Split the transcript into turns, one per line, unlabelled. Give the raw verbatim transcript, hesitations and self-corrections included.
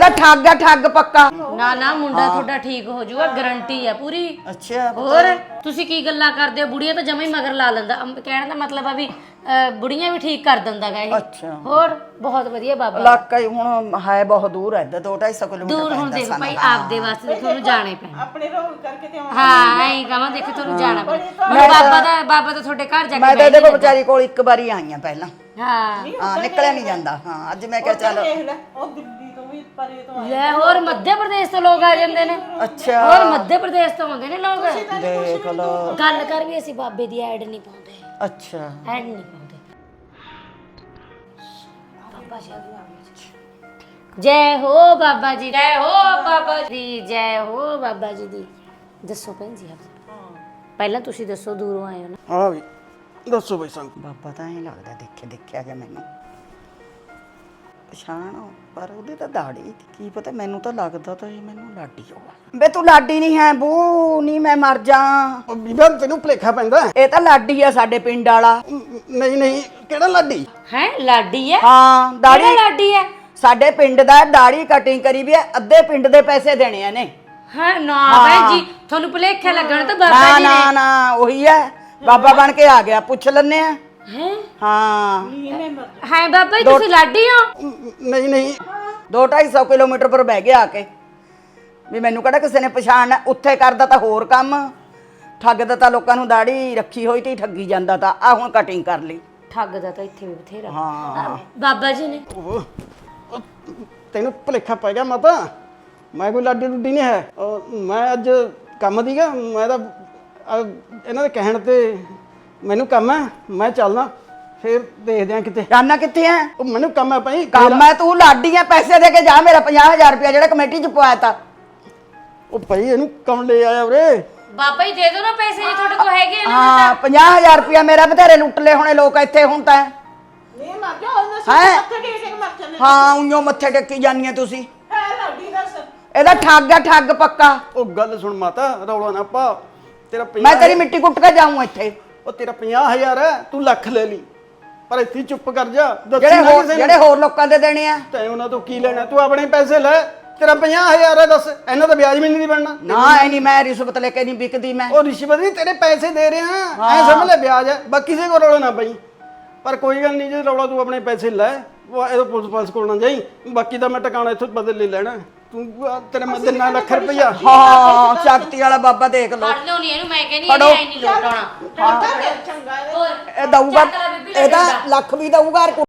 ਇਹਦਾ ਠੱਗ ਆ ਠੱਗ ਪੱਕਾ।
ਨਾ ਨਾ ਮੁੰਡਾ ਤੁਹਾਡਾ ਠੀਕ ਹੋ ਜਾਊਗਾ, ਗਾਰੰਟੀ ਆ ਪੂਰੀ।
ਅੱਛਾ
ਹੋਰ ਤੁਸੀਂ ਕੀ ਗੱਲਾਂ ਕਰਦੇ ਹੋ? ਬੁੜੀਆਂ ਤਾਂ ਜਮਾ ਹੀ ਮਗਰ ਲਾ ਲੈਂਦਾ। ਅਮ, ਕਹਿਣ ਦਾ ਮਤਲਬ ਆ ਵੀ ਅਹ, ਬੁੜੀਆਂ ਵੀ ਠੀਕ ਕਰ ਦਿੰਦਾ ਗਾ ਇਹ।
ਅੱਛਾ
ਹੋਰ ਬਹੁਤ ਵਧੀਆ ਬਾਬਾ।
ਇਲਾਕਾ ਹੀ ਹੁਣ ਹੈ ਬਹੁਤ ਦੂਰ ਹੈ, ਦੋ ਢਾਈ ਸੌ ਕਿਲੋਮੀਟਰ
ਦੂਰ ਹੁਣ ਦੇਖੋ ਭਾਈ ਆਪਦੇ ਵਾਸਤੇ ਤੁਹਾਨੂੰ ਜਾਣਾ ਹੀ ਪੈਣਾ।
ਆਪਣੇ ਰੋਲ ਕਰਕੇ ਤੇ ਆਉਣਾ।
ਹਾਂ ਐਂ ਕਹਾਂ ਦੇਖੋ ਤੁਹਾਨੂੰ ਜਾਣਾ ਪੈਣਾ। ਹੁਣ ਬਾਬਾ ਦਾ ਬਾਬਾ ਤਾਂ ਤੁਹਾਡੇ ਘਰ ਜਾ ਕੇ
ਮੈਂ ਤਾਂ ਇਹਦੇ ਕੋਲ ਵਿਚਾਰੀ ਕੋਲ ਇੱਕ ਵਾਰੀ ਆਈ ਆ ਪਹਿਲਾਂ।
ਹਾਂ
ਹਾਂ ਨਿਕਲਿਆ ਨਹੀਂ ਜਾਂਦਾ। ਹਾਂ ਅੱਜ ਮੈਂ ਕਿਹਾ ਚੱਲ
ਦੇਖ ਲੈ ਉਹ ਦਿੱਲੀ ਤੋਂ ਵੀ ਪਰੇ ਤੋਂ ਆਏ।
ਲੈ ਹੋਰ ਮੱਧ ਪ੍ਰਦੇਸ਼ ਤੋਂ ਲੋਕ ਆ ਜਾਂਦੇ ਨੇ।
ਅੱਛਾ
ਹੋਰ ਮੱਧ ਪ੍ਰਦੇਸ਼ ਤੋਂ ਆਉਂਦੇ ਨੇ ਲੋਕ।
ਦੇਖ ਲੋ।
ਗੱਲ ਕਰ ਵੀ ਅਸੀਂ ਬਾਬੇ ਦੀ ਐਡ ਨਹੀਂ ਪਾਉਂਦੇ,
ਅੱਛਾ
ਐਡ ਨਹੀਂ ਪਾਉਂਦੇ। ਜੈ ਹੋ ਬਾਬਾ ਜੀ, ਜੈ ਹੋ ਬਾਬਾ ਜੀ, ਜੈ ਹੋ ਬਾਬਾ ਜੀ ਦੀ। ਦੱਸੋ ਭੈਣ ਜੀ ਆਪ ਪਹਿਲਾਂ ਤੁਸੀਂ ਦੱਸੋ, ਦੂਰੋਂ ਆਏ ਹੋ ਨਾ।
ਹਾਂ ਵੀ ਦੱਸੋ ਬਈ ਸੰਗ।
ਬਾਬਾ ਤਾਂ ਇਹ ਲੱਗਦਾ ਦੇਖੇ ਦੇਖਿਆ ਗਿਆ ਮੈਨੂੰ ਪਛਾਣ, ਪਰ ਉਹਦੀ ਤਾਂ ਦਾੜੀ ਕੀ ਪਤਾ, ਮੈਨੂੰ ਤਾਂ ਲੱਗਦਾ ਤਾਂ ਇਹ ਮੈਨੂੰ ਲਾਡੀ ਹੋਗਾ। ਬੇ ਤੂੰ ਲਾਡੀ ਨਹੀਂ ਹੈ ਬੂ, ਨਹੀਂ ਮੈਂ ਮਰ ਜਾ।
ਉਹ ਬੀਬਾ ਤੈਨੂੰ ਭੁਲੇਖਾ ਪੈਂਦਾ।
ਇਹ ਤਾਂ ਲਾਡੀ ਆ ਸਾਡੇ ਪਿੰਡ ਵਾਲਾ।
ਨਹੀਂ ਨਹੀਂ ਕਿਹੜਾ ਲਾਡੀ?
ਹੈ ਲਾਡੀ ਹੈ?
ਹਾਂ
ਕਿਹੜਾ
ਦਾੜੀ
ਲਾਡੀ ਹੈ?
ਸਾਡੇ ਪਿੰਡ ਦਾ, ਦਾੜੀ ਕਟਿੰਗ ਕਰੀ ਵੀ ਹੈ, ਅੱਧੇ ਪਿੰਡ ਦੇ ਪੈਸੇ ਦੇਣੇ ਆ ਨੇ।
ਹਾਂ ਨਾ ਭੈਣ ਜੀ ਤੁਹਾਨੂੰ ਭੁਲੇਖਾ ਲੱਗਣ ਤਾਂ ਬਾਬਾ
ਨਾ
ਜੀ
ਨਾ
ਨੇ।
ਨਾ ਉਹੀ ਹੈ, ਬਾਬਾ ਬਣ ਕੇ ਆ ਗਿਆ, ਪੁੱਛ ਲੈਨੇ ਆ।
ਹੈ
ਹਾਂ
ਹੈ ਬਾਬਾ ਜੀ ਤੁਸੀਂ ਲਾਡੀ ਹੋ?
ਨਹੀਂ ਨਹੀਂ
ਦੋ ਢਾਈ ਸੌ ਕਿਲੋਮੀਟਰ ਪਰ ਬਹਿ ਗਿਆ ਆ ਕੇ ਵੀ ਮੈਨੂੰ ਕਿਹੜਾ ਕਿਸੇ ਨੇ ਪਛਾਣਨਾ। ਉੱਥੇ ਕਰਦਾ ਤਾਂ ਹੋਰ ਕੰਮ, ਠੱਗਦਾ ਤਾਂ ਲੋਕਾਂ ਨੂੰ, ਦਾੜੀ ਰੱਖੀ ਹੋਈ ਤੇ ਠੱਗੀ ਜਾਂਦਾ ਤਾਂ। ਆ ਹੁਣ ਕਟਿੰਗ ਕਰ ਲਈ।
ਠੱਗ ਦਾ ਤਾਂ ਇੱਥੇ ਵੀ ਬਥੇਰਾ।
ਹਾਂ
ਬਾਬਾ ਜੀ ਨੇ
ਉਹ ਉਹ ਤੈਨੂੰ ਭੁਲੇਖਾ ਪੈ ਗਿਆ ਮਾਤਾ। ਮੈਂ ਕੋਈ ਲਾਡੀ ਲੁੱਡੀ ਨਹੀਂ ਹੈ। ਉਹ ਮੈਂ ਅੱਜ ਕੰਮ ਦੀਗਾ, ਮੈਂ ਤਾਂ ਅਹ, ਇਹਨਾਂ ਦੇ ਕਹਿਣ ਤੇ ਮੈਨੂੰ ਕੰਮ ਹੈ, ਮੈਂ ਚੱਲਦਾ, ਫਿਰ ਦੇਖਦੇ ਆ ਕਿਤੇ।
ਜਾਨਾ ਕਿੱਥੇ ਐ?
ਉਹ ਮੈਨੂੰ ਕੰਮ ਹੈ ਭਾਈ।
ਕੰਮ ਐ, ਤੂੰ ਲਾਡੀ ਐ, ਪੈਸੇ ਦੇ ਕੇ ਜਾ ਮੇਰਾ ਪੰਜਾਹ ਹਜ਼ਾਰ ਰੁਪਇਆ ਜਿਹੜਾ ਕਮੇਟੀ ਚ ਪਵਾਇਆ ਤਾ।
ਉਹ ਭਾਈ ਇਹਨੂੰ ਕੰਮ ਲੈ ਆਇਆ ਉਰੇ।
ਬਾਬਾ ਜੀ ਦੇ ਦਿਓ ਨਾ ਪੈਸੇ ਜੇ ਤੁਹਾਡੇ ਕੋਲ ਹੈਗੇ ਨੇ।
ਹਾਂ ਪੰਜਾਹ ਹਜ਼ਾਰ ਰੁਪਇਆ ਮੇਰਾ, ਬਥੇਰੇ ਲੁੱਟ ਲਏ ਹੋਣੇ ਲੋਕ ਇੱਥੇ ਹੁਣ ਤਾਂ।
ਨਹੀਂ ਮਰ ਜਾ ਉਹਨਾਂ ਸੇ
ਹੈਂ?
ਮੱਥੇ ਟੇਕ ਕੇ ਮਰ ਜਾਂਦੇ।
ਹਾਂ ਉਈਓ ਮੱਥੇ ਟੇਕੀ ਜਾਂਦੀਆਂ ਤੁਸੀਂ।
ਹੈ ਲਾਡੀ ਦੱਸ।
ਇਹਦਾ ਠੱਗ ਆ ਠੱਗ ਪੱਕਾ।
ਉਹ ਗੱਲ ਸੁਣ ਮਾਤਾ, ਰੌਲਾ ਨਾ ਪਾ। ਤੇਰਾ ਪੰਜਾਹ
ਮੈਂ ਤੇਰੀ ਮਿੱਟੀ ਕੁੱਟ ਕੇ ਜਾਊਂ ਇੱਥੇ।
ਉਹ ਤੇਰਾ ਪੰਜਾਹ ਹਜ਼ਾਰ ਹੈ, ਤੂੰ ਲੱਖ ਲੈ ਲਈ, ਪਰ ਇੱਥੇ ਹੀ ਚੁੱਪ ਕਰ ਜਾ। ਦੱਸੀ
ਜਿਹੜੇ
ਨਾ
ਹੋਰ
ਕਿਸੇ
ਜਿਹੜੇ
ਨੂੰ।
ਹੋਰ ਲੋਕਾਂ ਦੇ ਦੇਣੇ ਆ।
ਤੈਂ ਉਹਨਾਂ ਤੋਂ ਕੀ ਲੈਣਾ? ਤੂੰ ਆਪਣੇ ਪੈਸੇ ਲੈ। ਤੇਰਾ ਪੰਜਾਹ ਹਜ਼ਾਰ ਹੈ, ਦੱਸ ਇਹਨਾਂ ਦਾ ਵਿਆਜ ਵੀ ਨਹੀਂ ਬਣਨਾ।
ਨਾ ਐ ਨਹੀਂ, ਮੈਂ ਰਿਸ਼ਵਤ ਲੈ ਕੇ ਨਹੀਂ ਵਿਕਦੀ ਮੈਂ।
ਉਹ ਰਿਸ਼ਵਤ ਨਹੀਂ, ਤੇਰੇ ਪੈਸੇ ਦੇ ਰਿਹਾ, ਐ ਸਮਝ ਲੈ ਵਿਆਜ ਹੈ। ਬਾਕੀ ਕਿਸੇ ਕੋਲ ਰੌਲਾ ਨਾ ਪਈ। ਪਰ ਕੋਈ ਗੱਲ ਨਹੀਂ, ਜੇ ਰੌਲਾ ਤੂੰ ਆਪਣੇ ਪੈਸੇ ਲੈ, ਉਹ ਇਹਦਾ ਪੁਲਿਸ ਪਾਸ ਕੋਲ ਨਾ ਜਾਈ। ਬਾਕੀ ਦਾ ਮੈਂ ਟਿਕਾਣਾ ਇੱਥੋਂ ਬਦਲ ਲੈ ਲੈਣਾ। ਤੂੰ ਆਹ ਤੇਰੇ ਮੈਂ ਦਿਨਾ ਲੱਖ ਰੁਪਈਆ।
ਹਾਂ ਸ਼ਕਤੀ ਵਾਲਾ ਬਾਬਾ ਦੇਖ ਲਓ।
ਫੜ ਲਿਓ ਨਹੀਂ ਇਹਨੂੰ, ਮੈਂ ਕਹਿੰਦੀ ਇਹਨੇ ਐ ਨਹੀਂ ਲੋਟਾਉਣਾ।
ਚੰਗਾ ਹੈ।
ਹੋਰ
ਇਹ ਦਊਗਾ, ਇਹਦਾ ਲੱਖ ਵੀ ਦਊਗਾ।